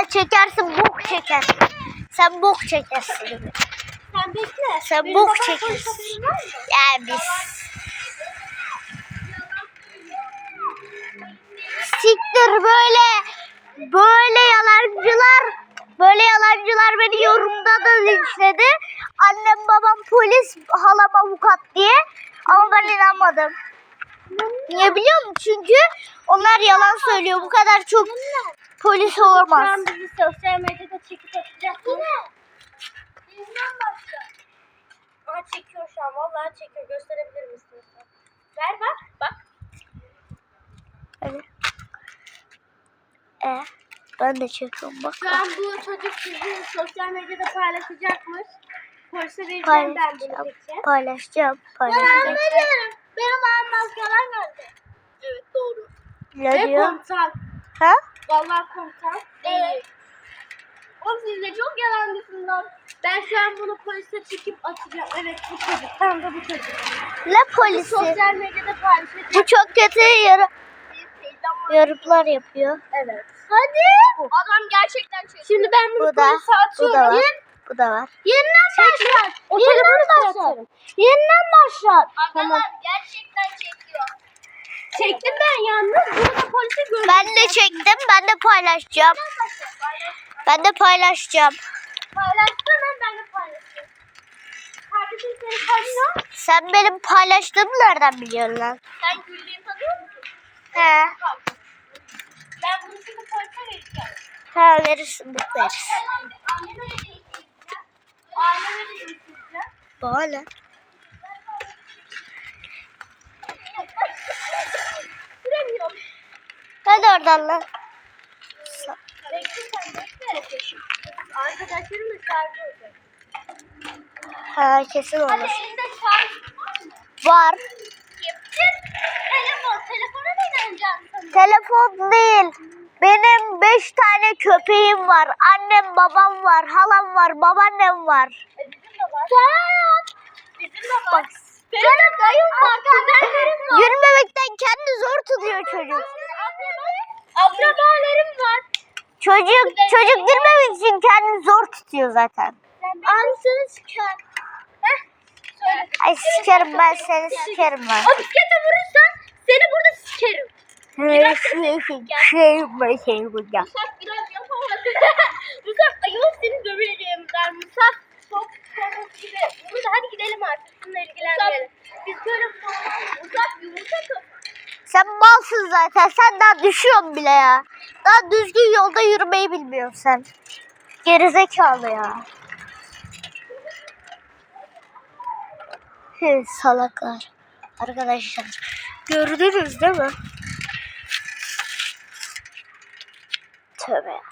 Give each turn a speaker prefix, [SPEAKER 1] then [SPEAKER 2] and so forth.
[SPEAKER 1] çekersin, bok çekersin. Sen bok çekersin.
[SPEAKER 2] Sen bekle.
[SPEAKER 1] Sen bok çekersin. Yani biz. Siktir böyle yalancılar beni yorumda da linçledi. Annem babam polis, halam avukat diye. Ama ben inanmadım. Niye biliyor musun? Çünkü onlar yalan söylüyor. Bu kadar çok polis olamaz.
[SPEAKER 2] Sen bizi sosyal medyada çekip atacaksın. Bizden başka. Aa, çekiyor şu an. Vallahi çekiyor. Gösterebilir misin? Ver bak. Bak.
[SPEAKER 1] Evet. Ben de çekiyorum bak.
[SPEAKER 2] Şu an bu çocuk sizi sosyal medyada paylaşacakmış. Polise vereceğim ben bunu peki.
[SPEAKER 1] Paylaşacağım.
[SPEAKER 2] Ben veriyorum. Benim ağam maskalar geldi. Evet doğru.
[SPEAKER 1] Ne diyor?
[SPEAKER 2] Komutan.
[SPEAKER 1] Ha?
[SPEAKER 2] Vallahi komutan. Evet. O sizde çok yalancısın lan. Ben şu an bunu polise çekip atacağım. Evet bu çocuk. Tam da bu çocuk.
[SPEAKER 1] Ne polisi?
[SPEAKER 2] Sosyal medyada paylaşacağım.
[SPEAKER 1] Bu çok kötü yorumlar yapıyor.
[SPEAKER 2] Evet. Hadi. Adam gerçekten çekiyor. Şimdi ben bunu
[SPEAKER 1] Bu da,
[SPEAKER 2] polise
[SPEAKER 1] bu da
[SPEAKER 2] atıyorum.
[SPEAKER 1] var. Bu da var.
[SPEAKER 2] Yeniden başlat. Yeniden başlat. Yeniden başlat. Tamam. Gerçekten çekiyor. Çektim ben yalnız. Burada polise gördüm.
[SPEAKER 1] Ben de çektim. Ben de paylaşacağım. Ben de paylaşacağım.
[SPEAKER 2] Paylaşsana ben de paylaşacağım. Kardeşim seni tanıyor.
[SPEAKER 1] Sen benim paylaştığımı nereden biliyorsun lan?
[SPEAKER 2] Sen Güllü'yü tanıyor musun?
[SPEAKER 1] He.
[SPEAKER 2] Ben bunu şimdi polise vereceğim.
[SPEAKER 1] He verirsin. Veririz.
[SPEAKER 2] Anneme de değiştireceğim. Anneme de değiştireceğim.
[SPEAKER 1] Bana ne?
[SPEAKER 2] Süremiyorum.
[SPEAKER 1] Hadi oradan lan.
[SPEAKER 2] Bekle sen bekle. Arkadaşlarım da şarjı olacak.
[SPEAKER 1] Ha kesin
[SPEAKER 2] Hadi
[SPEAKER 1] olur.
[SPEAKER 2] elinde şarj
[SPEAKER 1] Var.
[SPEAKER 2] yapacak. Telefona ne inanacaksın?
[SPEAKER 1] Telefon değil. Benim 5 tane köpeğim var. Annem babam var. Halam var. Babaannem var.
[SPEAKER 2] Bizim de var. Bizim de var. Benim dayım var. Kuzenlerim var.
[SPEAKER 1] Yürümemekten kendi zor tutuyor çocuk.
[SPEAKER 2] Akrabalarım var.
[SPEAKER 1] Çocuk yürümemek için kendini zor tutuyor zaten.
[SPEAKER 2] Anasını siker. Söyle.
[SPEAKER 1] Ay sikerim ben seni sikerim ben.
[SPEAKER 2] O bisiklete vurursan seni burada sikerim.
[SPEAKER 1] Şey burada.
[SPEAKER 2] Musaf biraz yapamadı. Musaf ayol seni döveceğim der. Musaf çok komik gibi. Burada hadi gidelim artık. Şununla ilgilenmeyelim. Biz böyle Musaf yumurta kafa.
[SPEAKER 1] Sen malsın zaten. Sen daha düşüyorsun bile ya. Daha düzgün yolda yürümeyi bilmiyorsun sen. Gerizekalı ya. Salaklar. Arkadaşlar. Gördünüz değil mi? Tövbe.